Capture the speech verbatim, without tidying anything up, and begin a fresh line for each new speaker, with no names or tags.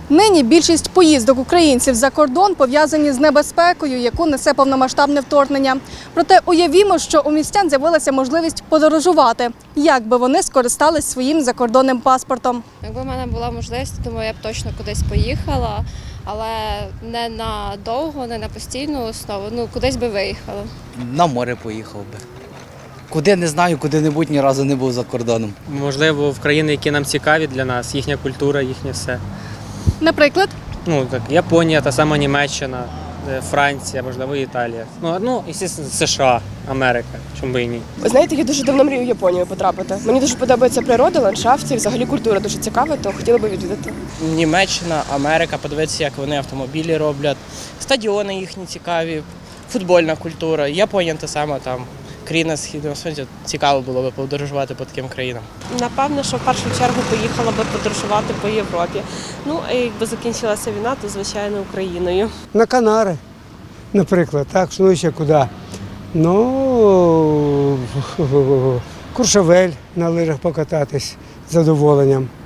Нині більшість поїздок українців за кордон пов'язані з небезпекою, яку несе повномасштабне вторгнення. Проте уявімо, що у містян з'явилася можливість подорожувати. Як би вони скористались своїм закордонним паспортом?
Якби в мене була можливість, тому я б точно кудись поїхала, але не на довго, не на постійну основу, ну кудись би виїхала.
На море поїхав би. Куди не знаю, куди-небудь ні разу не був за кордоном.
Можливо, в країни, які нам цікаві для нас, їхня культура, їхнє все.
Наприклад,
Ну, так, Японія, та сама Німеччина, е, Франція, можливо, Італія. Ну, ну і США, Америка, чому би і ні.
Ви знаєте, я дуже давно мрію в Японію потрапити. Мені дуже подобається природа, ландшафт і взагалі культура дуже цікава, то хотіла би відвідати.
Німеччина, Америка, подивитися, як вони автомобілі роблять, стадіони їхні цікаві, футбольна культура, Японія та сама там. Країна Східного Сонця, цікаво було б подорожувати по таким країнам.
Напевно, що в першу чергу поїхала би подорожувати по Європі. Ну, а якби закінчилася війна, то, звичайно, Україною.
На Канари, наприклад, так, ну ще куди. Ну, Куршавель на лижах покататись з задоволенням.